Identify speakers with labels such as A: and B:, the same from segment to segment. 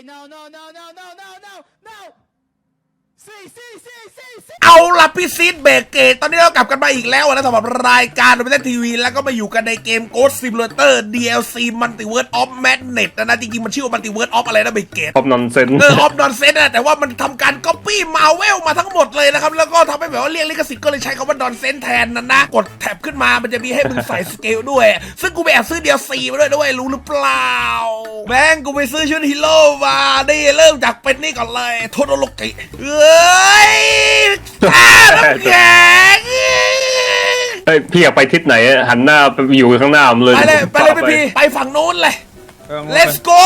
A: เอาล่ะพี่ซีดเบรกเกตตอนนี้เรากลับกันมาอีกแล้วนะสำหรับรายการโดมิเนตทีวีแล้วก็มาอยู่กันในเกม Ghost Simulator DLC Multiverse of Madness นะจริงๆมันชื่อว่า Multiverse of อะไรนะเบรกเกต
B: of Nonsense
A: of Nonsense นะแต่ว่ามันทำการ Copy Marvel มาทั้งหมดเลยนะครับแล้วก็ทำให้แบบว่าเรียกลิขสิทธิ์ก็เลยใช้คำว่า Nonsense แทนนะกดแท็บขึ้นมามันจะมีให้มึงใส่สเกลด้วยซึ่งกูไปแอบซื้อ DLC มาด้วยรู้หรือเปล่าแม่งกูไปซื้อชุดฮีโร่มานี่เริ่มจากเป็นนี่ก่อนเลยโทโดโรกิเอ้ยน้ำแข็ง
B: เฮ้ยพี่อยากไปทิศไหนหันหน้าไปอยู่ข้างหน้าผมเลย
A: ไปเลยพี่ไปฝั่งนู้นเลย let's go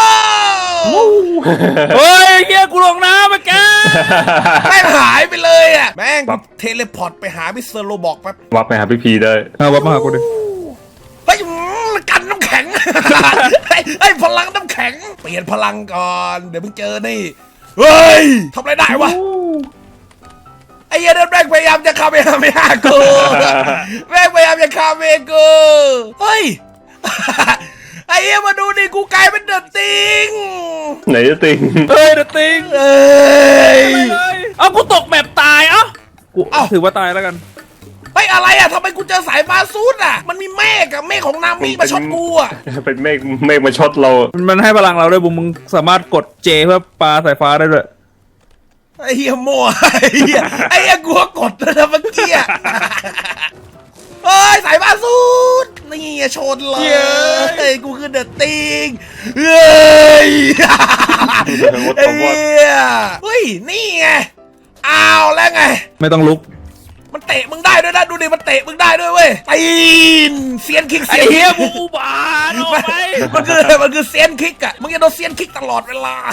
C: เฮ้ยเฮียกูลงน้ำมาแก
A: แม่งหายไปเลยอ่ะแม่งเทเลพอร์ตไปหามิสเตอร์โรบอกแป๊บ
B: วับไปหาพี่พีได้
C: วับมาหากูดิ
A: เฮ้ยกันน้ำแข็งไอ้พลังน้ำแข็งเปลี่ยนพลังก่อนเดี๋ยวมึงเจอนี่เฮ้ยทำอะไรได้วะไอ้เหี้ยแม่งพยายามจะคาเมฮากูแม่งพยายามจะคาเมกูเฮ้ยไอ้เหี้ยมาดูดิกูกลายเป็นเดอะติง
B: ไหนจะติง
C: เฮ้ยเดอะติง
A: เอ้ย
C: เอากูตกแบบตายกูถือว่าตายแล้วกัน
A: เฮ้ยอะไรอ่ะทำไมกูเจอสายฟ้าซูดอ่ะมันมีเมฆอะเมฆของนามิมาช็อตกูอ่ะ
B: เป็นเมฆมาช็อตเรา
C: มันให้พลังเราด้วยบุมึงสามารถกดเจเพื่อปาสายฟ้าได้ด้วย
A: ไอ้เหี้ยมั่วไอ้เหี้ยกูก็กดนะเมื่อกี้เฮ้ยสายฟ้าซูดนี่ชนเลยกูคือเดอะติงเฮ้ยไอ้เหี้ยเฮ้ยนี่ไงเอาแล้วไง
C: ไม่ต้องลุก
A: มันเตะมึงได้ด้วยนะดูดิมันเตะมึงได้ด้วยเว้ยตีนเซียนคิก
C: ไอ้เฮียมึงอุบาทออกไป
A: มันคือเซียนคิกอะมึงจะโดนเซียนคิกตลอดเวลา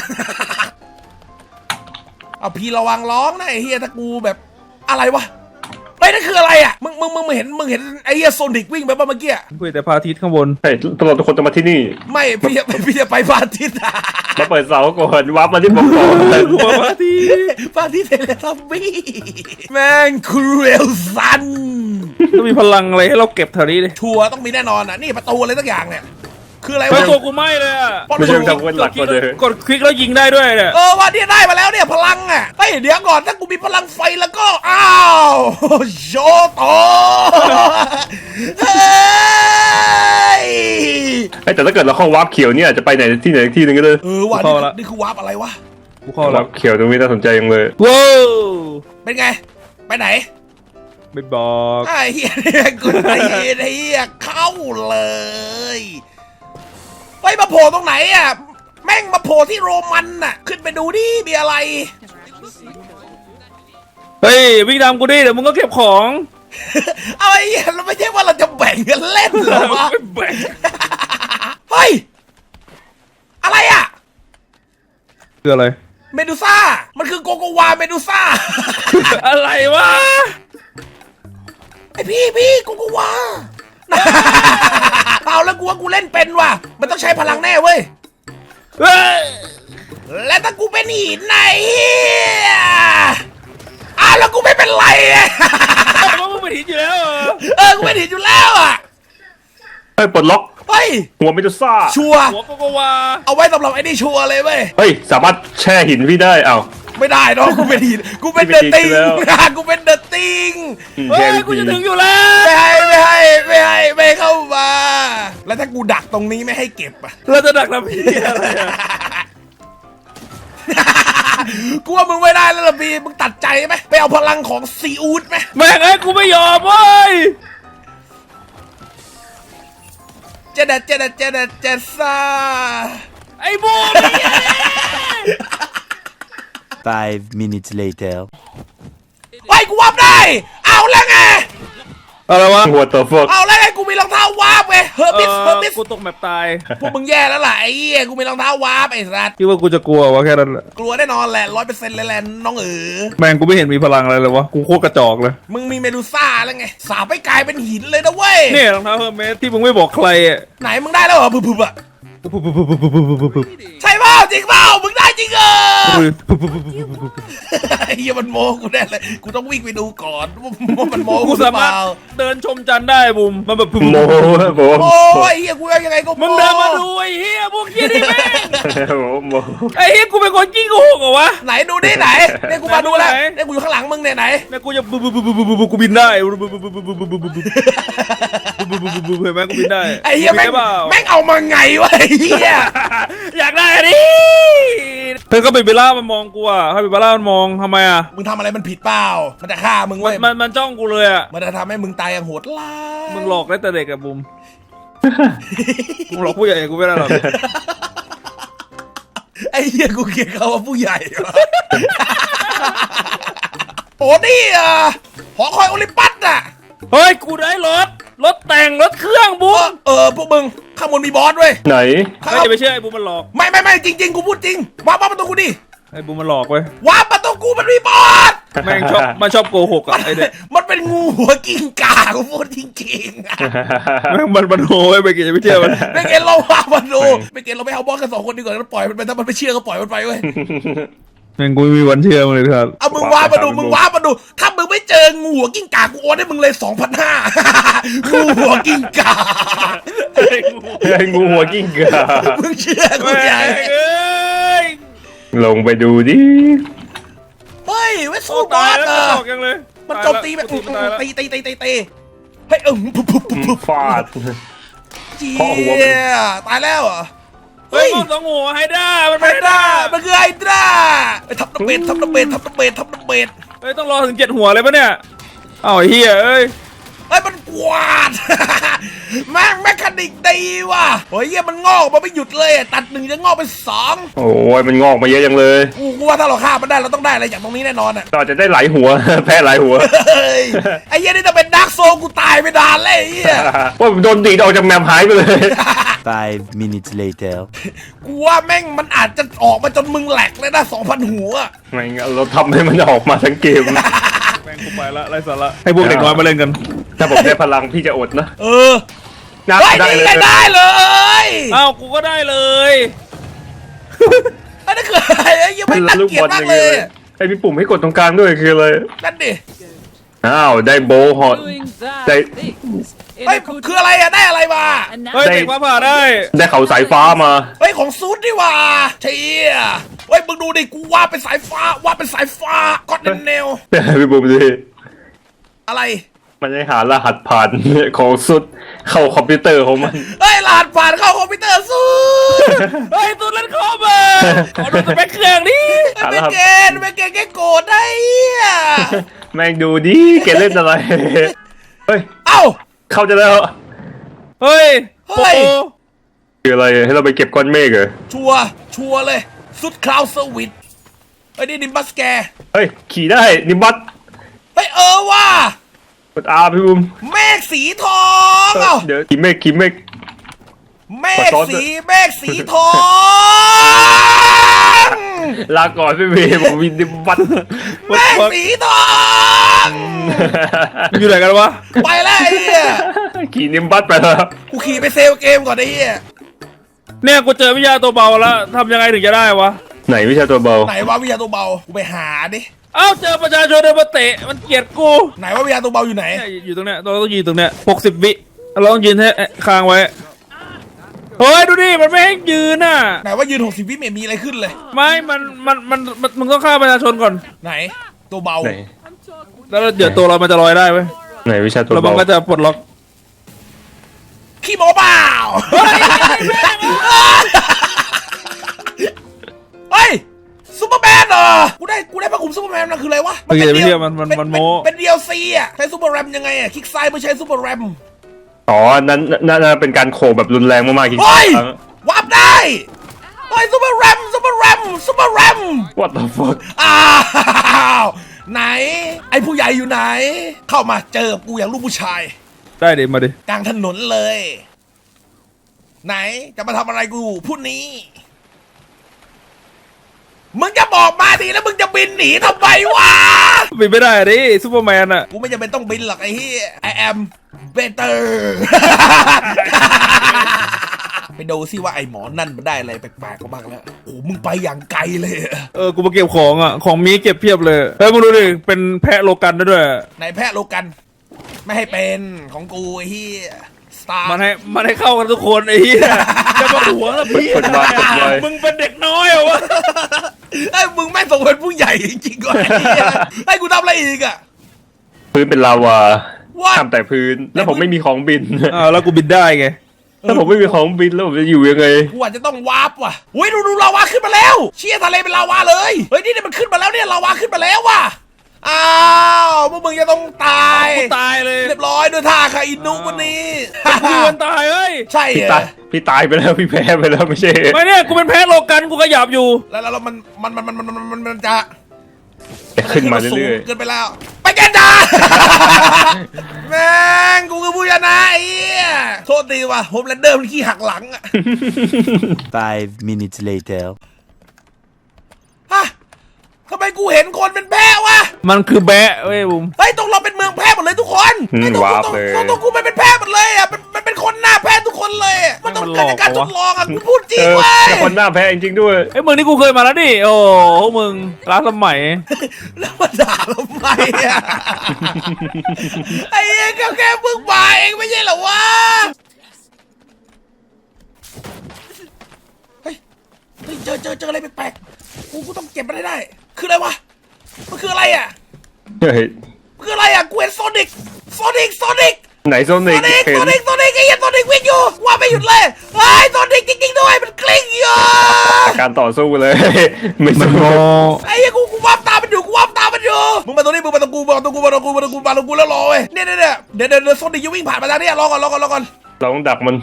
A: เอาพี่ระวังร้องนะไอ้เฮียถ้ากูแบบอะไรวะเฮ้ยนั่นคืออะไรอะมึงเห็นไอ้เฮียโซนิกวิ่งไปป่ะเมื่อกี้
C: คุยแต่พระอาทิตย์ข้างบน
B: เฮ้ยตลอดทุกคนจะมาที่นี่
A: ไม่พี่จะไปพระอาทิตย์
B: มาเปิดเสาก่อนวับมาที่ผมก่อน
C: กูพระอาทิตย์
A: พระอาทิตย์เทเลทับบี้แม่งครูเอลซัน
C: ต้องมีพลังอะไรให้เราเก็บแถวนี้เลย
A: ชัวร์ต้องมีแน่นอนอะนี่ประตูอะไรสักอย่างเนี่ยคืออะไร
C: ไอ้
A: วะ
C: ตัวกูไหม้เลยอะ
B: ไม่ใช่ทำเป็นหลักก่อนเลย
C: กดคลิกแล้วยิงได้ด้วยเนี่ย
A: ว่าเนี่ยได้มาแล้วเนี่ยพลังอ่ะเฮ้ยเดี๋ยวก่อนถ้ากูมีพลังไฟแล้วก็อ้าวโชโตเฮ้ย
B: แต่ถ้าเกิดเราเข้าวับเขียวเนี่ยจะไปไหนที่หนึ่งก็ได้
A: ว่ะนี่คือวาร์ปอะไรวะ
C: กูเข้า
B: วั
C: แล้ว
B: บเขียวตรงนี้น่าสนใจยังเลย
C: ว้าว
A: เป็นไงไปไหน
C: ไม่บอก
A: ไอ้เหี้ยกูไอ้เหี้ยเข้าเลยเฮ้ยมาโผล่ตรงไหนอ่ะแม่งมาโผล่ที่โรมันน่ะขึ้นไปดูดิมีอะไร
C: เฮ้ยวิ่งตามกูดิเดี๋ยวมึงก็เก็บของ
A: เอาไอ้เหี้ยเราไม่ใช่ว่าเราจะแบ่งกันเล่นเหรอวะ
C: ไม่แบ่ง
A: เฮ้ยอะไรอ่ะ
C: คืออะไร
A: เมดูซ่ามันคือโกโกวาเมดูซ่า
C: อะไรวะ
A: ไอพี่โกโกวา เอาแล้วกูว่ากูเล่นเป็นว่ะมันต้องใช้พลังแน่เว้ย
C: เฮ้ย
A: และถ้ากูเป็นหินไหนแล้วกูไม่เป็นไรอ่ะ
C: มึงเป็นหินอยู่แล้วเหรอ
A: กูเป็นหินอยู่แล้วอ่ะ
B: เฮ้ยปลดล็อก
A: เฮ้ย
B: หัวเมดูซ่า
A: ชัวร์
C: หัวโกโกวา
A: เอาไว้สำหรับไอ้นี่ชัวร์เลยเว้ย
B: เฮ้ยสามารถแช่หินพี่ได้เอ้า
A: ไม่ได้เนาะกูเป็นหินกูเป็นเดอะติงกูเป็นเดอะติง
C: เฮ้ยกูจะถึงอยู่แล้ว
A: ไม่เข้ามา แล้วถ้ากูดักตรงนี้ไม่ให้เก็บอ่ะ
C: เราจะดักทำพี่อะไรอะ
A: กูว่ามึงไม่ได้แล้วล่ะบีมึงตัดใจไหมไปเอาพลังของซีอูดไหม
C: แม่งไอ้กูไม่ยอมเว้ย
A: เจดซ่า
C: ไอ้บูม
D: 5 minutes later.
A: ไอ้กูวาร์ปได้ เอาแล้วไง
C: อะไรวะ
B: หัวตัวพวก
A: เอาแล้วไงกูมีรองเท้าวาร์ปไงเฮอร์บิส
C: กูตกแบบตาย
A: พวกมึงแย่แล้วล่ะไอ้เหี้ยกูมีรองเท้าวาร์ปไอ้สัส
C: คิดว่ากูจะกลัววะแค่นั้นแหละ
A: กลัวแน่นอนแหละ100%เลยแหละน้อง
C: แม่งกูไม่เห็นมีพลังอะไรเลยวะกูโคตรกระจอกเลย
A: มึงมีเมดูซ่าแล้วไงสาบไปกลายเป็นหินเลยนะเว้ย
C: เนี่ยรองเท้าเฮอร์เมสที่มึงไม่บอกใครอ่ะ
A: ไหนมึงได้แล้วเหรอพึบๆอ่ะใช่ปะจริงเปล่ามึงได้จริงเหรอ
C: อุ้ย
A: ไอ้เหี้ยมันโมกูแน่เลยกูต้องวิ่งไปดูก่อนว่ามันโม
C: กู
A: กูหรื
C: สา
A: อเป
C: มารถ
A: ล่า
C: เดินชมจันทร์ได้บุมมันแบบ
B: โมโม
A: โอ้ยเหี้ยกูยังไงก็
C: มึงเดินมาดูไอ้เหี้ยพวกเหี้ยนี่แม่ง
B: โม
C: ไอ้เหี้ยกูเป็นคนขี้โกหกเหรอวะ
A: ไหนดูดิไหนเนี่ยกูมาดูแล้ว
C: ไหน
A: เนี่ยกูอยู่ข้างหลังมึงเนี่ยไหน
C: แม่กูจะกูบินได้เห็นไหมกูบินได้
A: ไอ้เหี้ยแม่ง
C: บินได้เปล่า
A: แม่งเอามาไงวะไอ้เหี้ย
C: อยากได้อันนี้เพื่อนก็เป็นเบลล่ามันมองกูอ่ะให้เป็นเบลล่ามันมองทำไมอ่ะ
A: มึงทำอะไรมันผิดเปล่ามันจะฆ่ามึงเว้ย
C: มันจ้องกูเลยอ่ะ
A: มันจะทำให้มึงตายอย่างโหดร้าย
C: มึงหลอกได้แต่เด็กอะบุมมึงหลอกผู้ใหญ่กูไม่ได้หรอก
A: ไอ้เหี้ยกูเกลียดเขาว่าผู้ใหญ่วะโอ้นี่หอคอยโอลิมปัสอ่ะ
C: เฮ้ยกูได้รถแต่งรถเครื่องบุม
A: พวกมึงข้างบนมีบอสเว้ย
B: ไหน
C: ไม่จะไปเชื่อไอ้บุมมันหลอก
A: ไม่จริงๆกูพูดจริงวาร์ปประตูกูดิ
C: ไอ้บุมมันหลอกเว้ยว
A: าร์ปประตูกูมันมีบอส
C: แม่งชอบมันชอบโกหกอ่ะไอ้เด็ก
A: มันเป็นงูหัวกิ้งก่ากูพูดจริงๆอะ
C: แม่งมันโหยไปกินจะไม่เชื่อมัน
A: ไม่เกณฑ์เราวาร์ปมาดูไม่เกณฑ์เราไม่เอาบอสกัน2 คนดีกว่าแล้วปล่อยมันไปถ้ามันไม่เชื่อก็ปล่อยมันไปเว้ย
C: แม่งกูไม่มีวันเชื่อมึงเลยครับ
A: เอามึงวาร์ปมาดูถ้ามึงไม่เจองูหัวกิ้งก่ากูโอนให้มึงเลย 2,500 งูหัวกิ้งก่า
B: ไอ้งูหัวกิ้งก่า
A: มึงเชื่อกู
C: แม่
A: ยัง
C: งเอ้ย
B: ลงไปดูดิ
A: เฮ้ยไว้
C: โอ้
A: สู้บอ
C: ตาย
A: ส
C: แล้ว
A: เอ
C: มัน
A: อ
C: หลอกยังเลย
A: มันโจมตีแบบ
C: ตายแล้ว
A: ตีเฮ้ยปุ๊บ
B: ฟาด
A: เจี๊
B: เคาะหัวมัน
A: ยตายแล้วเหรอ
C: เฮ้ยสองหัวไฮด้ามัน
A: ไฮ
C: ไม่
A: ด้า
C: ได้
A: มันคือไฮด้าไอ้ทับน้ำเบ็ดทับน้ำเบ็ด
C: เฮ้ยต้องรอถึง7 หัวเลยปะเนี่ยเอ้าไอ้เหี้ยเอ้ย
A: เฮ้ยมันกวาด แม่งแมคคานิกดีว่ะโอ้ยเหี้ยมันงอกมาไม่หยุดเลยตัด1จะงอกเป็น2
B: โอ้ยมันงอกมาเยอะจังเลย
A: กูว่าถ้าเราฆ่ามันได้เราต้องได้อะไรจากตรงนี้แน่นอนอ่ะ
B: ต่อจะได้หลายหัว แพ้หลายหัว
A: เฮ้ยไอ้เหี้ยนี่จะเป็นดาร์กโซกูตายไปนานเลยไอ้เหี้ย
B: ว่าโดนดีดออกจากแมปหายไปเลย
D: 5 minutes later.
A: กูว่าแม่งมันอาจจะออกมาจนมึงแหลกเลยนะ 2,000 หัว
B: ไม่งั้นเราทำให้มันออกมาทั้งเกม
C: แม่งกูไปละไรสาระให้พวกเด็กน้อยมาเล่นกัน
B: ถ้าผมได้พลังพี่จะอดนะ
A: เออ
B: นับ
A: เฮ้ย
B: ได้
A: นี่
B: เลย
A: ได้เลย
C: อ้าวกูก็ได้เลย
A: อันนั้นคืออะไรไอ้เหี้ยังไม่น่า
B: ลูก
A: เกลีย
B: บ
A: ด
B: อล
A: มา
B: อก ย่าง
A: เล
B: เงี้ย
A: ย
B: เลยไอ้มีปุ่มให้กดตรงกลางด้วยคืออะไร
A: นั่นดิ
B: อ้าวได้โบว์ฮอต
E: doing bad
B: They-
E: things in
A: เฮ้ย
E: a good
A: คืออะไรอะได้อะไรมา
E: and
C: เฮ้ย
E: now
C: เด็กมาผ่าได้
B: ได้เขาสายฟ้ามา
A: เฮ้ยของซูดนี่หว่าเชี่ยเฮ้ยมึงดูดิกูว่าเป็นสายฟ้าก็อดเนล
B: พี่ปุ่มดิ
A: อะไร
B: มันได้หารหัสผ่านของสุดเข้าคอมพิวเตอร์ของมัน
A: เฮ้ยรหัสผ่านเข้าคอมพิวเตอร์ซูด
C: เฮ้ยตูนเล่นคอมเบอร์ขอดูสเปคเครื่องนี้
A: ไม่เกณฑ์แกโกรธได้เหี้ย
B: แม่งดูดิแกเล่นอะไร เฮ้ย
A: เอ้า
B: เข้าจะแล้ว
C: เฮ้ย
A: เฮ้ย
C: โอ้
B: คืออะไรให้เราไปเก็บก้อนเมฆเหรอ
A: ชัวร์เลยสุดคลาวเซอร์วิสเฮ้ยนี่ดิมบัสแก
B: เฮ้ยขี่ได้นิมบัต
A: เฮ้ยว่าก
B: ดอาพี่ปุ่ม
A: เมฆสีทองเอ้า
B: เดี๋ยวขี่เมฆ
A: เม
B: ขอ
A: ฆ
B: ซ้อนด้วย
A: สีทอง
B: ลาก่อนพี่เมย์ผมวินนิมบัต
A: เมฆสีทอง
C: อยู่ไหนกันวะ
A: ไปแล้วไอ้เหี้ย
B: ขี่นิมบัตไปแล้ว
A: กูขี่ไปเซลเกมก่อนไอ้เหี้ย
C: เนี่ยกูเจอวิทยาตัวเบาแล้วทำยังไงถึงจะได้วะ
B: ไหนวิชาตัวเบา
A: ไหนว่าวิทยาตัวเบากูไปหาดิ
C: เอ้าเจอประชาชนเดินมาเตะมันเกลียดกู
A: ไหนว่าวิทยาตัวเบาอยู่ไหน
C: เนี่ยอยู่ตรงเนี้ยเราต้องยืนตรงเนี้ย60 วิเราต้องยืนให้ค้างไว้เฮ้ยดูดิมันไม่ให้ยืนน่ะ
A: ไหนว่ายืน60 วิไม่มีอะไรขึ้นเลย
C: ไม่มึงต้องฆ่าประชาชนก่อน
A: ไหนตัวเบา
B: ไหน
C: แล้วเดี๋ยวตัวเรามันจะลอยได้ไหม
B: ไหนวิชาตัว
C: แล้วมัน
B: เบา
C: ก็จะปลดล็อก
A: ขี้โมเปล่าเฮ้ยซูเปอร์แมนเหรอกูได้พระคุมซูเปอร์แมนมันคืออะไรวะ
C: เมื่อกี้จะไม่เชื่อมันโม้
A: เป็น DLC อ่ะใช้ซูเปอร์แรมยังไงอ่ะคลิกซ้ายเพื่อใช้ซูเปอร์แรม
B: อ๋อนั่นเป็นการโขกแบบรุนแรงมากๆจริง
A: เฮ้ย
B: ๆ
A: วาร์ปได้เฮ้ยซูเปอร์แรม
B: What the fuck
A: อ้าวไหน ไอ้ผู้ใหญ่อยู่ไหน เข้ามาเจอกูอย่างลูกผู้ชาย
C: ได้เดี๋ยวมาดิ
A: กลางถนนเลย ไหนจะมาทำอะไรกูพูดนี้ มึงจะบอกมาดิแล้วมึงจะบินหนีทำไมวะ
C: บินไม่ได้ดิซูเปอร์แมนอะ
A: กูไม่จำเป็นต้องบินหรอกไอ้เหี้ย I am better ไปดูซิว่าไอ้หมอนั่นมันได้อะไรแปลกๆก็บ้างแล้วโอ้มึงไปอย่างไกลเลยอะ
C: กูมาเก็บของอ่ะของมีเก็บเพียบเลยเฮ้ยมึงดูดิเป็นแพะโลกันด้วย
A: นายแพะโลกัน ไม่ให้เป็นของกูไอ้เฮียสตาร์
C: มันให้เข้ากันทุกคนไอ้เหี้ยจะมาหวงแล้วพี่
B: กดไว้กดไว้
C: มึงเป็นเด็กน้อยเหรอวะ
A: ไอ้ยมึงไม่งส่งเป็นผู้ใหญ่จริงๆก่อนไอ้เหี้ยให้กูทำอะไรอีกอะ
B: พื้นเป็นลาวา
A: What?
B: ทำแต่พื้น แล้วผมไม่มีของบิน
C: แล้วกูบินได้ไง
B: ถ้าผมไม่มีของบินแล้วผมจะอยู่ยังไง
A: กูอาจจะต้องวาร์ปว่ะอุ้ยดูลาวาขึ้นมาแล้ว เชี่ยทะเลเป็นลาวาเลยเฮ้ยนี่มันขึ้นมาแล้วเนี่ยลาวาขึ้นมาแล้วว่ะอ้าวพวกมึงจะต้องตาย
C: กูตายเลย
A: เรียบร้อยด้วยท่าคาอินุวันนี้
C: กูวันตายเฮ้ย
A: ใช่
B: พี่
A: เหร
B: ตา
A: อย
B: พี่ตายไปแล้วพี่แพ้ไปแล้วไม่ใช่
C: ไม่เนี่ยกูเป็นแพะโลกันกูขยับอยู่
A: แล้วมันจะ
B: จะขึ้นมาเรื่อย
A: เกินไปแล้ว ไปกันจ้า แม่งกูคือผู้ชนะไอ้เหี้ยโทษทีว่ะโฮมแลนเดอร์มันขี้หักหลังอะ
D: 5 minutes later.
A: ฮะทำไมกูเห็นคนเป็นแพะวะ
C: มันคือแบะเว้ยบุ๋ม
A: เฮ้ยตรงเราเป็นเมืองแพะหมดเลยทุกคน
B: ๆ
A: ไอ้ตรง
B: วาร์ป
A: กู
B: เลย
A: ตรงกูเป็นแพะหมดเลยอ่ะมันเป็นคนหน้าแพะทุกคนเลยอะมันต้องเกิดจากการทดลองอ่ะกูพูดจริงเว้ย
B: แต่คนหน้าแพ้จริงๆด้วย
C: ไอ้ยมึงนี่กูเคยมาแล้วดิโอ้พวกมึงล้าสมัย
A: แล้วมาด่าทำไมอ่ะ ไอ้เหี้ยแค่เพิ่งมาเองไม่ใช่เหรอวะเฮ้ยเจออะไรแปลกๆกูต้องเก็บมันให้ได้คืออะไรวะมันคืออะไรอ่ะ
B: เฮ้ย
A: คืออะไรอ่ะกูเห็นโซนิก
B: ไหนโซนิกเห็น
A: ไอ้เหี้ยโซนิกวิ่งอยู่ว่าไม่หยุดเลยเฮ้ยโซนิกจริงๆด้วยมันกลิ้งอยู่
B: การต่อสู้เลย ไม่สู้
A: ไอ้เหี้ยกูวาบตามมันอยู่มึงมาตรงนี้มึงมาตรงกูแล้วรอเว้ยเนี่ยเดี๋ยวโซนิกจะวิ่งผ่านมาทางนี้รอก่อน
B: เราต้องดักมัน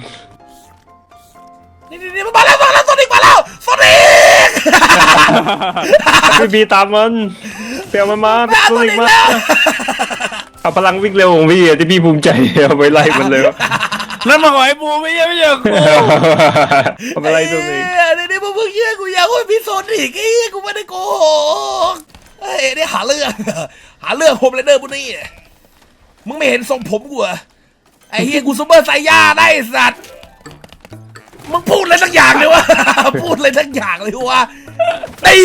A: นี่มันมาแล้วโซนิกโซนิก
B: พี่บีตามมันเปียมันมา
A: โซ
B: โซนิ
A: นิ
B: ก
A: ก
B: มา
A: แล้ว
B: เอาพลังวิ่งเร็วของพี่อะที่พี่ภูมิใจเอาไปไล่มันเลย
C: นั่นมาหอยบูไม่ใช่กู
B: เอาไปไล่โซนิก
A: นี่มึงเพิ่งเชื่อกูยังว่ามีโซนิกไอ้กูไม่ได้โกหกเฮ้ยนี่หาเรื่องโฮมแลนเดอร์พวกนี้มึงไม่เห็นทรงผมกูเหรอไอ้เฮียกูซูเปอร์ไซย่าได้สัตว์มึงพูดอะไรสักอย่างเลยวะ พูดอะไรสักอย่างเลยวะตี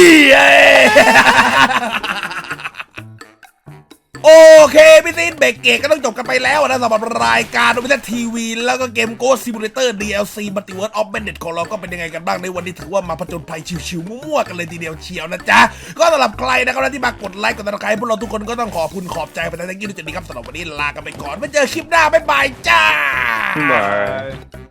A: โอเคพี่ซินเบรกเกตก็ต้องจบกันไปแล้วนะสำหรับรายการโดมิเนตทีวีแล้วก็เกมโกสซิมูเลเตอร์ DLC Multiverse of Madness ของเราก็เป็นยังไงกันบ้างในวันนี้ถือว่ามาผจญภัยชิวๆมั่วๆกันเลยทีเดียวเชียวนะจ๊ะก็สำหรับใครนะครับที่มากดไลค์กดติดตามพวกเราทุกคนก็ต้องขอบคุณขอบใจไปทั้งที่ด้วยจุดนี้ครับสำหรับวันนี้ลากันไปก่อนไว้เจอคลิปหน้าบ๊ายบายจ้า
B: บาย